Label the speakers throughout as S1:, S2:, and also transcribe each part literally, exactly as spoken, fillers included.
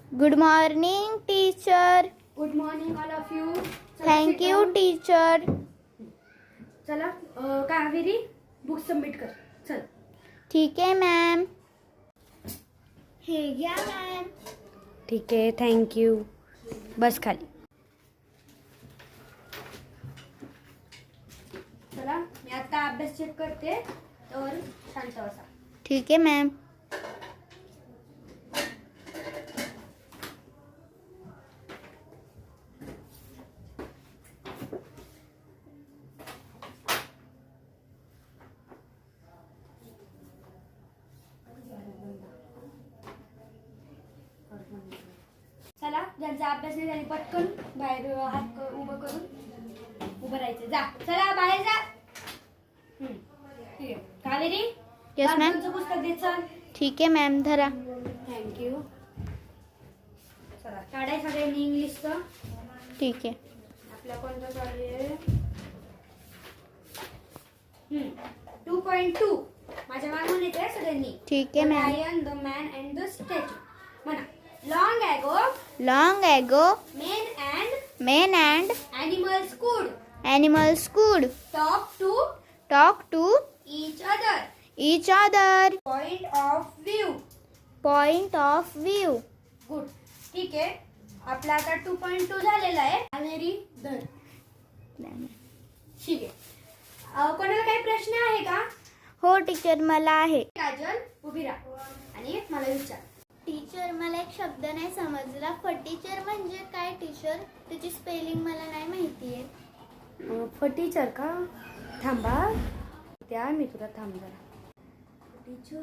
S1: Good morning, teacher.
S2: Good morning all of you.
S1: Thank you, teacher.
S2: चला अ, Kaveri book submit कर. चल.
S1: ठीक आहे मॅम. हे घ्या मॅम.
S2: ठीक आहे, थँक्यू. बस खाली. चला मी आता अभ्यास चेक करते तर शांत बसा.
S1: ठीक आहे मॅम.
S2: चला ज्यांचा अभ्यास नाही झाली पटकन बाहेर हात क- उभं करून उभं राहायचं. जा चला बाहेर जा. हम्म, ठीक आहे. Kaveri
S1: Yes, ma'am.
S2: बालपणचं पुस्तक दे. चल.
S1: ठीक आहे मॅम. धरा.
S2: थँक्यू. चला काढाय सगळ्यांनी इंग्लिशचं.
S1: ठीक आहे.
S2: आपला कोणता चालू आहे? Two point two. माझ्या मागून येते सगळ्यांनी.
S1: ठीक आहे ma'am.
S2: Lion the man and the statue. म्हणा. Long ago
S1: Long ago,
S2: men and
S1: men and
S2: animals could
S1: animals could
S2: talk to
S1: talk to
S2: each other.
S1: each other.
S2: Point of view.
S1: Point of view.
S2: Good. ठीक आहे. आपला आता to point to झालेला आहे. कावेरी धर. ठीक आहे. अ, कोणाला काही प्रश्न आहे का?
S1: हो टीचर, मला आहे.
S2: काजल उभी राहा आणि मला विचार.
S1: टीचर, मला एक शब्द नाही समजला. फटीचर म्हणजे काय टीचर? त्याची स्पेलिंग मला नाही माहिती आहे.
S2: फटीचर का? थांबा त्या मी तुला थांब जरा. फटीचर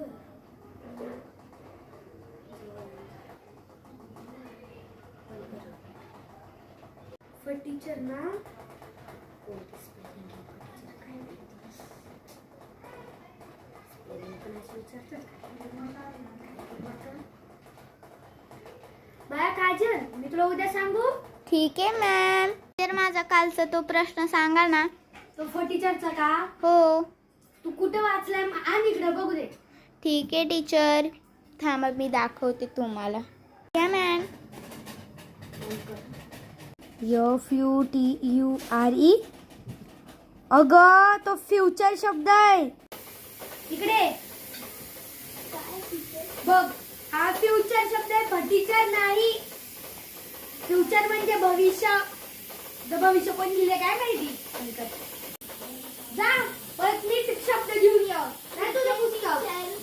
S2: फटीचर ना कोणती स्पेलिंग आहे? फटीचर काय माहिती? स्पेलिंग पण असं विचारतात का? बाळा काजल, मी तुला उद्या सांगू.
S1: ठीक आहे मॅम. तर माझा कालचा तो प्रश्न सांगा ना.
S2: तो फटीचरचा का?
S1: हो.
S2: तू कुठे वाचलाय? आण इकडे बघू दे.
S1: ठीक आहे टीचर. थांबा मी दाखवते तुम्हाला. क्या ma'am?
S2: F U T U R E. अगं तो फ्युचर शब्द आहे. इकडे बघ, हा फ्युचर शब्द आहे, फटीचर नाही. फ्युचर म्हणजे भविष्य. द भविष्य कोण लिहिले काय माहिती. जा परत नीट शब्द घेऊन ये. नाही तुझं पुस्तक